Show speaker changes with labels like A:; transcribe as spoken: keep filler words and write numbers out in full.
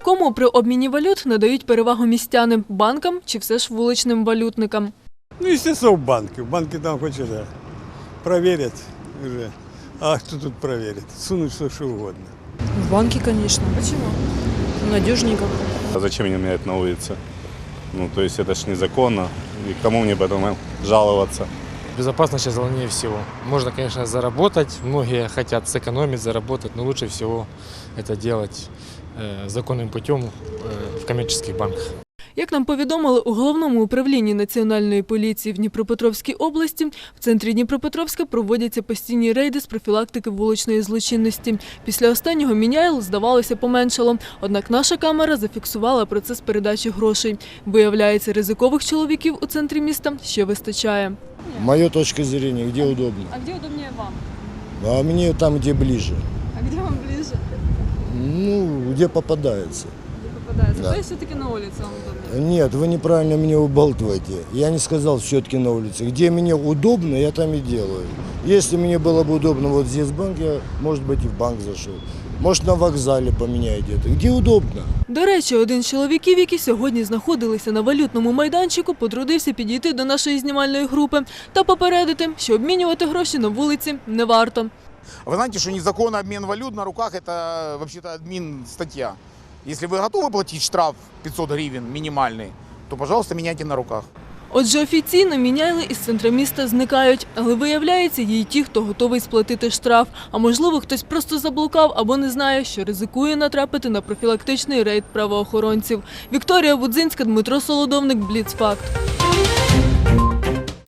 A: Кому при обміні валют надають перевагу містяни – банкам чи все ж вуличним валютникам?
B: Ну, естественно, в банки. В банки там хоть это проверят уже. А кто тут проверит? Сунуть все, что угодно.
C: В банке, конечно. Почему? Надежнее как-то.
D: А зачем мне менять на улице? Ну, то есть это ж незаконно. И кому мне потом жаловаться?
E: Безопасность сейчас главнее всего. Можно, конечно, заработать. Многие хотят сэкономить, заработать, но лучше всего это делать э, законным путем э, в коммерческих банках.
A: Як нам повідомили у Головному управлінні Національної поліції в Дніпропетровській області, в центрі Дніпропетровська проводяться постійні рейди з профілактики вуличної злочинності. Після останнього міняйл, здавалося, поменшало. Однак наша камера зафіксувала процес передачі грошей. Виявляється, ризикових чоловіків у центрі міста ще вистачає.
F: Моя точка зрения, где удобно.
A: А де удобніше вам?
F: А мне там, где ближе.
A: А де вам ближче?
F: Ну, где попадается.
A: Попадається.
F: Да.
A: Тобто все-таки на вулиці вам удобніше?
F: Нет, вы неправильно меня убалтываете. Я не сказал все-таки на улице. Где мне удобно, я там и делаю. Если мне было бы удобно вот здесь банк, я, может быть, и в банк зашел. Может, на вокзале поменяю где-то. Где удобно.
A: До речі, один з чоловіків, які сьогодні знаходилися на валютному майданчику, потрудився підійти до нашої знімальної групи та попередити, що обмінювати гроші на вулиці не варто.
G: Вы знаете, что незаконный обмен валют на руках – это вообще-то админ статья. Если вы готовы платить штраф пятьсот гривен минимальный, то, пожалуйста, меняйте на руках.
A: Отже, офіційно міняйли із центра міста зникають, але виявляється, є й ті, хто готовий сплатити штраф. А можливо, хтось просто заблукав або не знає, що ризикує натрапити на профілактичний рейд правоохоронців. Вікторія Будзинська, Дмитро Солодовник, Бліцфакт.